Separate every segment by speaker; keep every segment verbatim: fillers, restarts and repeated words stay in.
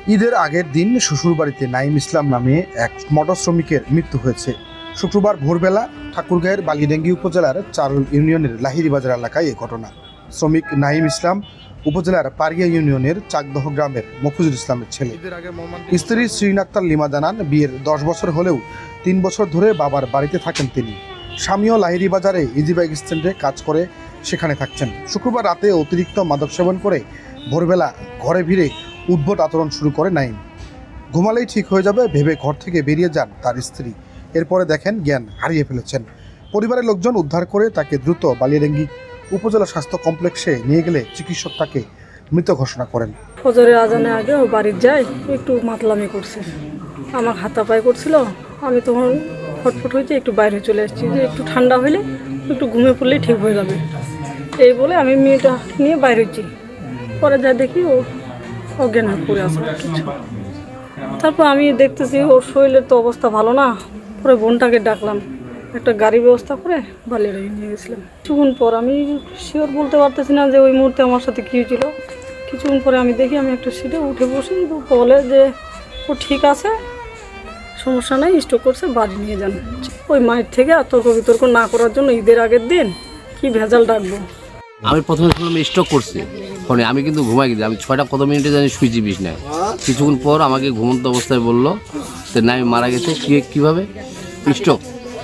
Speaker 1: ঈদের আগের দিন শ্বশুরবাড়িতে নাইম ইসলাম নামে এক মটর শ্রমিকের মৃত্যু হয়েছে। শুক্রবার ভোরবেলা ঠাকুরগাঁয়ের বালিডাঙ্গি উপজেলার চারুল ইউনিয়নের লাহিড়ী বাজার এলাকায় এ ঘটনা। শ্রমিক নাইম ইসলাম উপজেলার পারিয়া ইউনিয়নের চাকদহ গ্রামের মফিজুল ইসলামের ছেলে। স্ত্রী শ্রীন আক্তার লিমা জানান, বিয়ের দশ বছর হলেও তিন বছর ধরে বাবার বাড়িতে থাকেন তিনি। স্বামীও লাহিড়ী বাজারে ইজিবাইক স্ট্যান্ডে কাজ করে সেখানে থাকছেন। শুক্রবার রাতে অতিরিক্ত মাদক সেবন করে ভোরবেলা ঘরে ভিড়ে উদ্ভট আচরণ শুরু করে নাইম। ঘুমালেই ঠিক হয়ে যাবে ভেবে ঘর থেকে বেরিয়ে যান তার স্ত্রী। এরপরে দেখেন জ্ঞান হারিয়ে ফেলেছেন। পরিবারের লোকজন উদ্ধার করে তাকে দ্রুত বালিয়াডাঙ্গি উপজেলা স্বাস্থ্য কমপ্লেক্সে নিয়ে গেলে চিকিৎসক তাকে মৃত ঘোষণা করেন।
Speaker 2: ফজরের আজানে আগে ও বাড়ির যাই একটু মাতলামি করছে, আমার হাতা পায়ে করছিল। আমি তখন ফটফট হয়েছে একটু বাইরে চলে আসছি, যে একটু ঠান্ডা হলে একটু ঘুমে পড়লেই ঠিক হয়ে যাবে এই বলে আমি মেয়েটা নিয়ে বাইরে হচ্ছি। পরে যা দেখি ও অজ্ঞান হয়ে পড়ে আসে কিছু। তারপর আমি দেখতেছি ওর শরীরের তো অবস্থা ভালো না। পরে বোনটাকে ডাকলাম, একটা গাড়ি ব্যবস্থা করে বালিয়াড়ায় নিয়ে গেছিলাম। কিছুক্ষণ পর আমি শিওর বলতে পারতেছি না যে ওই মুহূর্তে আমার সাথে কী হয়েছিল। কিছুক্ষণ পরে আমি দেখি আমি একটা সিটে উঠে বসি, বলে যে ও ঠিক আছে, সমস্যা নেই, স্ট্রোক করছে, বাড়ি নিয়ে যান। ওই মায়ের থেকে আর তর্ক বিতর্ক না করার জন্য ঈদের আগের দিন কি ভেজাল ডাকবো।
Speaker 3: আমি প্রথমে শুনলাম স্ট্রোক করছে ফোনে, আমি কিন্তু ঘুমাই গেছি। আমি ছয়টা কত মিনিটে জানি শুয়েছি বিছনায়। কিছুক্ষণ পর আমাকে ঘুমন্ত অবস্থায় বললো যে না আমি মারা গেছে। কী কীভাবে স্ট্রোক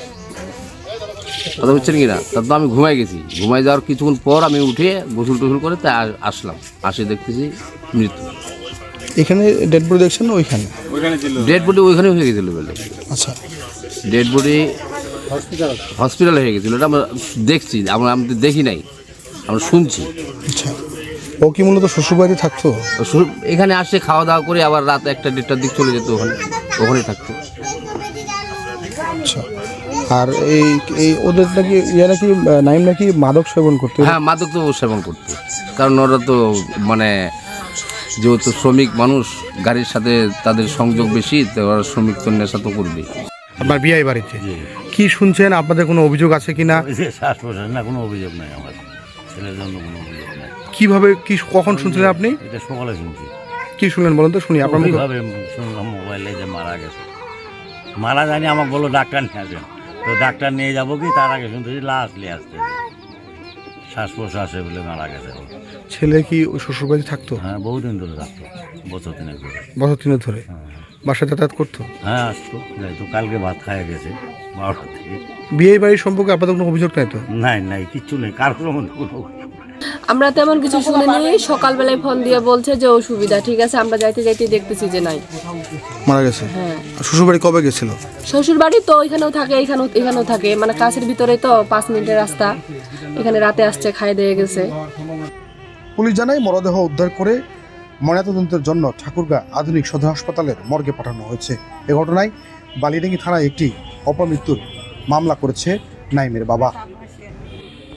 Speaker 3: কথা বুঝছেন কি না? তার তো আমি ঘুমাই গেছি। ঘুমাই যাওয়ার কিছুক্ষণ পর আমি উঠে গোসল টোসল করে তাই আসলাম, আসে দেখতেছি মৃত্যু।
Speaker 1: এখানে ডেড বডি দেখছেন না? ওইখানে
Speaker 3: ডেড বডি ওইখানে হয়ে গেছিল বলে।
Speaker 1: আচ্ছা,
Speaker 3: ডেড বডি হসপিটালে হয়ে গেছিলো, এটা আমরা দেখছি। আমরা আমি তো দেখি নাই, আমরা শুনছি।
Speaker 1: আচ্ছা, ও কি মূলত শ্বশুরবাড়িতে থাকতো?
Speaker 3: এখানে আসে খাওয়া দাওয়া করে আবার রাত একটা দেড়টার দিক চলে যেত, ওখানে ওখানেই থাকতো।
Speaker 1: আচ্ছা, আর এই এই ওদের নাকি ইয়ে নাকি নাইম নাকি মাদক সেবন করতো?
Speaker 3: হ্যাঁ, মাদক তো সেবন করতো, কারণ ওরা তো মানে যেহেতু শ্রমিক মানুষ, গাড়ির সাথে তাদের সংযোগ বেশি, তো ওরা শ্রমিক তো নেশা তো করবে।
Speaker 1: আপনার বিয়ে বাড়িতে কি শুনছেন? আপনাদের কোনো অভিযোগ আছে কিনা?
Speaker 4: শ্বাস প্রশ্বাস না, কোনো অভিযোগ নাই। আমার ছেলের জন্য কোনো অভিযোগ নাই।
Speaker 1: কিভাবে কি কখন শুনছিলেন আপনি?
Speaker 4: এটা সকালে শুনছি।
Speaker 1: কি শুনলেন বলেন তো শুনি। আপনার
Speaker 4: কীভাবে শুনলাম মোবাইলে যে মারা গেছে। মারা যায়নি, আমাকে বললো ডাক্তার নিয়ে আসেন। তো ডাক্তার নিয়ে যাবো কি তার আগে শুনতেছি লাশ নিয়ে আসতে, শ্বাস প্রশ্বাসে বলে মারা গেছে।
Speaker 1: ছেলে কি ওই শ্বশুরবাড়ি থাকতো?
Speaker 4: হ্যাঁ, বহুদিন ধরে থাকতো, বছর তিনেক ধরে।
Speaker 1: বছর তিনেক ধরে বাসায় যাতায়াত করতো?
Speaker 4: হ্যাঁ, আসতো, যাইতো। কালকে ভাত খাইয়া গেছে বারোটা থেকে।
Speaker 1: বিয়ে বাড়ির সম্পর্কে আপনাদের কোনো অভিযোগ নাই তো?
Speaker 4: নাই নাই, কিচ্ছু নেই, কারোর মধ্যে কোনো অভিযোগ নাই।
Speaker 5: আমরা তেমন কিছু শুনিনি। সকালবেলায় ফোন দিয়ে বলছে যে অসুবিধা, ঠিক আছে। আমরা যাইতে যাইতে দেখতেছি যে নাই,
Speaker 1: মারা গেছে।
Speaker 5: হ্যাঁ।
Speaker 1: শ্বশুরবাড়ি কবে গেছিল?
Speaker 5: শ্বশুর বাড়ি তো এখানেও থাকে, এখানেও এখানেও থাকে, মানে কাছের ভিতরে তো, পাঁচ মিনিটের রাস্তা। এখানে রাতে আসছে, খাই দিয়ে গেছে।
Speaker 1: পুলিশ জানায় মরদেহ উদ্ধার করে ময়নাতদন্তের জন্য ঠাকুরগাঁ আধুনিক সদর হাসপাতালের মর্গে পাঠানো হয়েছে। এ ঘটনায় বালিডাঙ্গি থানায় একটি অপমৃত্যুর মামলা করেছে নাইমের বাবা।